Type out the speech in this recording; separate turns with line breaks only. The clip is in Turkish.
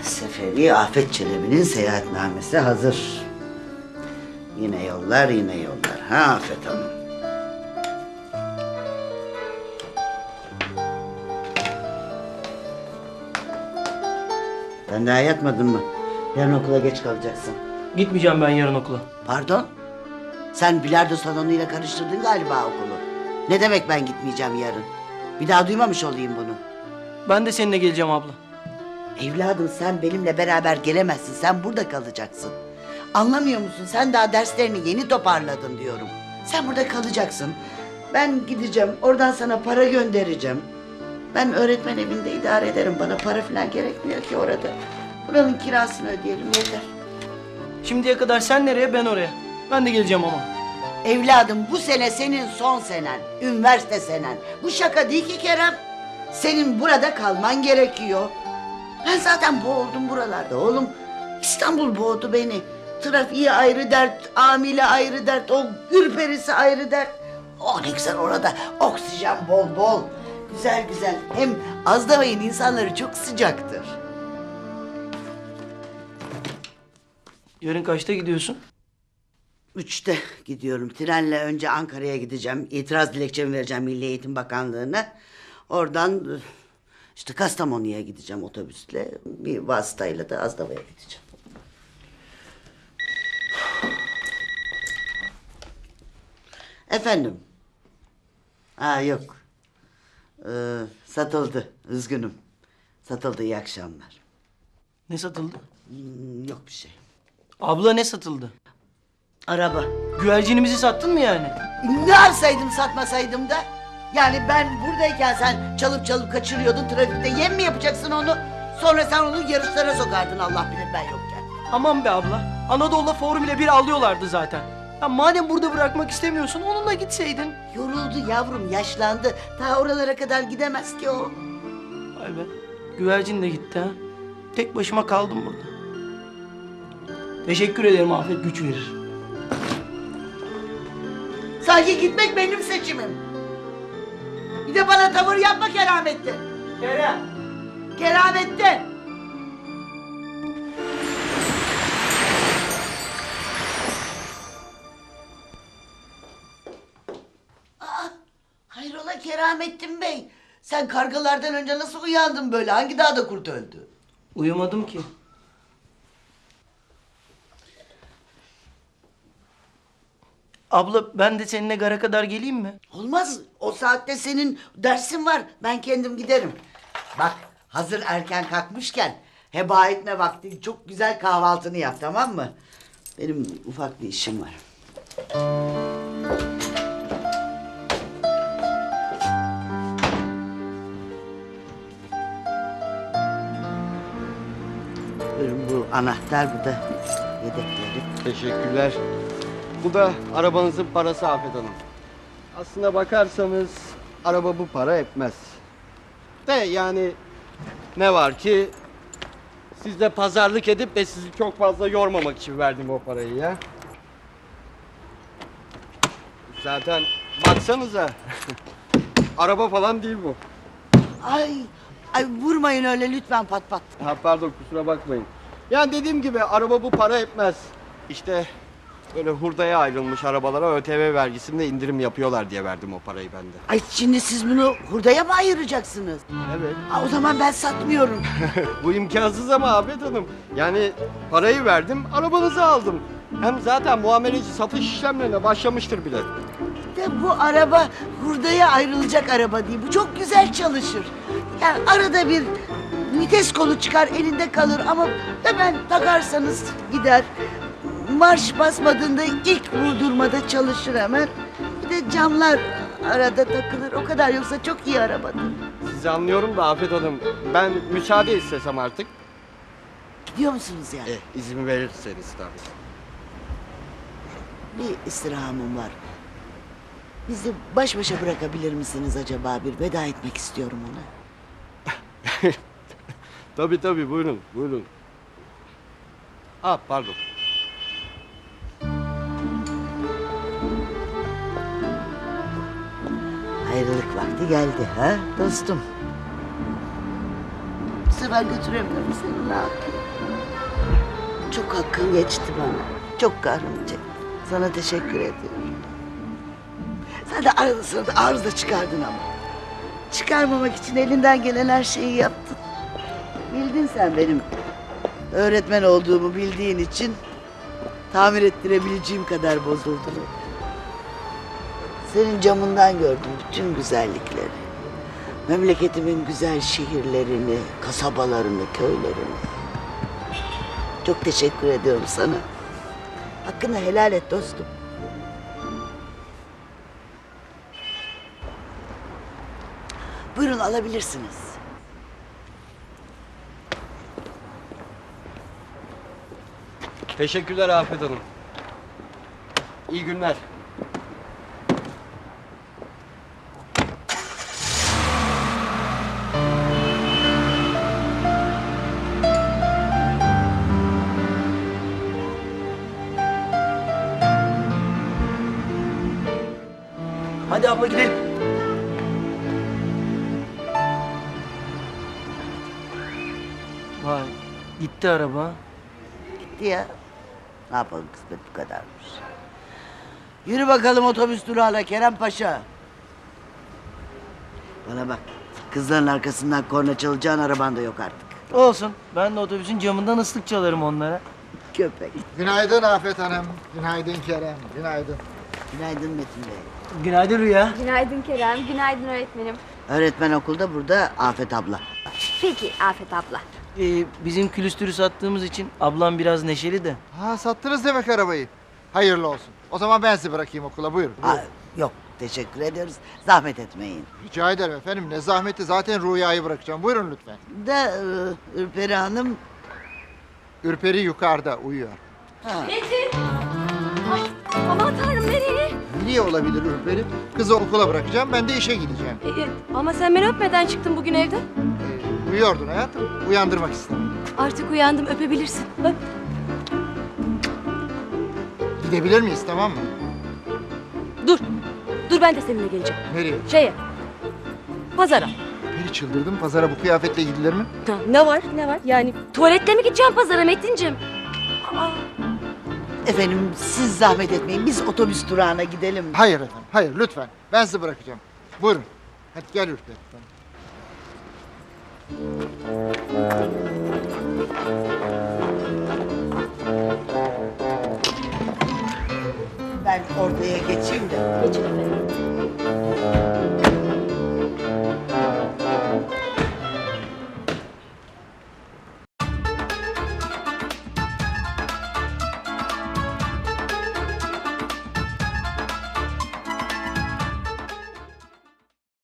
Seferi Afet Çelebi'nin seyahatnamesi hazır. Yine yollar, yine yollar. Ha Afet Hanım? Sen daha yatmadın mı? Yarın okula geç kalacaksın.
Gitmeyeceğim ben yarın okula.
Pardon? Sen bilardo salonuyla karıştırdın galiba okulu. Ne demek ben gitmeyeceğim yarın? Bir daha duymamış olayım bunu.
Ben de seninle geleceğim abla.
Evladım sen benimle beraber gelemezsin. Sen burada kalacaksın. Anlamıyor musun? Sen daha derslerini yeni toparladın diyorum. Sen burada kalacaksın. Ben gideceğim. Oradan sana para göndereceğim. Ben öğretmen evinde idare ederim. Bana para falan gerekmiyor ki orada. Buranın kirasını ödeyelim yeter.
Şimdiye kadar sen nereye ben oraya. Ben de geleceğim ama.
Evladım bu sene senin son senen. Üniversite senen. Bu şaka değil ki Kerem. Senin burada kalman gerekiyor. Ben zaten boğuldum buralarda oğlum. İstanbul boğdu beni. Trafiği ayrı dert, amile ayrı dert, o ürperisi ayrı dert. Oh ne güzel orada, oksijen bol bol. Güzel güzel. Hem Azdavay'ın insanları çok sıcaktır.
Yarın kaçta gidiyorsun?
3'te gidiyorum. Trenle önce Ankara'ya gideceğim. İtiraz dilekçemi vereceğim Milli Eğitim Bakanlığı'na. Oradan işte Kastamonu'ya gideceğim otobüsle. Bir vasıtayla da Azdava'ya gideceğim. Efendim? Ha yok. Satıldı. Üzgünüm. Satıldı. İyi akşamlar.
Ne satıldı?
Yok bir şey.
Abla ne satıldı?
Araba.
Güvercinimizi sattın mı yani?
Ne yapsaydım satmasaydım da? Yani ben buradayken sen çalıp çalıp kaçırıyordun trafikte. Yem mi yapacaksın onu? Sonra sen onu yarışlara sokardın Allah bilir ben yokken.
Aman be abla. Anadolu'da Formula 1 alıyorlardı zaten. Ya madem burada bırakmak istemiyorsun onunla gitseydin.
Yoruldu yavrum yaşlandı. Ta oralara kadar gidemez ki o.
Vay be. Güvercin de gitti ha. Tek başıma kaldım burada. Teşekkür ederim Afet, güç verir.
Sanki gitmek benim seçimim. Bir de bana tavır yapma Keramettin.
Kerem.
Keramettin. Hayrola Keramettin Bey? Sen kargalardan önce nasıl uyandın böyle? Hangi dağda kurt öldü?
Uyumadım ki. Abla ben de seninle gara kadar geleyim mi?
Olmaz. O saatte senin dersin var. Ben kendim giderim. Bak hazır erken kalkmışken heba etme vakti. Çok güzel kahvaltını yap tamam mı? Benim ufak bir işim var. Buyurun bu anahtar bu da yedekleri.
Teşekkürler. Bu da arabanızın parası Afet Hanım. Aslına bakarsanız araba bu para etmez. De yani ne var ki sizle pazarlık edip de sizi çok fazla yormamak için verdim o parayı ya. Zaten baksanıza araba falan değil bu.
Ay vurmayın öyle lütfen pat pat.
Ha, pardon kusura bakmayın. Yani dediğim gibi araba bu para etmez. İşte böyle hurdaya ayrılmış arabalara ÖTV vergisinde indirim yapıyorlar diye verdim o parayı ben de.
Ay şimdi siz bunu hurdaya mı ayıracaksınız?
Evet.
O zaman ben satmıyorum.
Bu imkansız ama Afet Hanım. Yani parayı verdim, arabanızı aldım. Hem zaten muameleci satış işlemlerine başlamıştır bile.
De bu araba hurdaya ayrılacak araba değil. Bu çok güzel çalışır. Yani arada bir vites kolu çıkar elinde kalır ama hemen takarsanız gider. Marş basmadığında ilk vurdurmada çalışır hemen. Bir de camlar arada takılır. O kadar yoksa çok iyi arabadır.
Sizi anlıyorum da Afet Hanım. Ben müsaade istesem artık.
Gidiyor musunuz yani?
İzin verirseniz tabii.
Bir istirhamım var. Bizi baş başa bırakabilir misiniz acaba? Bir veda etmek istiyorum ona.
Tabii buyurun, buyurun. Pardon.
Ayrılık vakti geldi ha dostum. Bu sefer götüremiyorum seni, ne yapayım? Çok hakkın geçti bana. Çok kahrımı çektim. Sana teşekkür ediyorum. Sen de arada sırada arıza çıkardın ama. Çıkarmamak için elinden gelen her şeyi yaptın. Bildin sen benim öğretmen olduğumu bildiğin için tamir ettirebileceğim kadar bozuldu. Senin camından gördüm bütün güzellikleri. Memleketimin güzel şehirlerini, kasabalarını, köylerini. Çok teşekkür ediyorum sana. Hakkını helal et dostum. Buyurun, alabilirsiniz.
Teşekkürler Afet Hanım. İyi günler.
Hadi abla gidelim. Vay, gitti araba.
Gitti ya. Ne yapalım, kısmet bu kadarmış. Yürü bakalım otobüs durağına Kerem Paşa. Bana bak, kızların arkasından korna çalacağın araban da yok artık.
Olsun, ben de otobüsün camından ıslık çalarım onlara.
Köpek.
Günaydın Afet Hanım. Günaydın Kerem. Günaydın.
Günaydın Metin Bey.
Günaydın Rüya.
Günaydın Kerem, günaydın öğretmenim.
Öğretmen okulda, burada Afet abla.
Peki Afet abla.
Bizim külüstürü sattığımız için ablam biraz neşeli de.
Ha, sattınız demek arabayı. Hayırlı olsun. O zaman ben sizi bırakayım okula. Buyurun.
Aa, yok, teşekkür ediyoruz. Zahmet etmeyin.
Rica ederim efendim. Ne zahmeti, zaten Rüya'yı bırakacağım. Buyurun lütfen.
Da Ürperi Hanım...
Ürperi yukarıda uyuyor.
Metin! Ay, aman tanrım nereye?
Niye olabilir Ürperi? Kızı okula bırakacağım. Ben de işe gideceğim.
Ama sen beni öpmeden çıktın bugün evden.
Uyuyordun hayatım. Uyandırmak istedim.
Artık uyandım, öpebilirsin. Öp.
Gidebilir miyiz, tamam mı?
Dur, dur ben de seninle geleceğim.
Nereye?
Şeye, pazara.
Biri çıldırdım. Pazara bu kıyafetle gidilir mi?
Ha, ne var, ne var? Yani tuvaletle mi gideceğim pazara Metin'cim? Aa,
Efendim, siz zahmet etmeyin. Biz otobüs durağına gidelim.
Hayır efendim. Hayır lütfen. Ben sizi bırakacağım. Buyurun. Hadi gel Ürperi.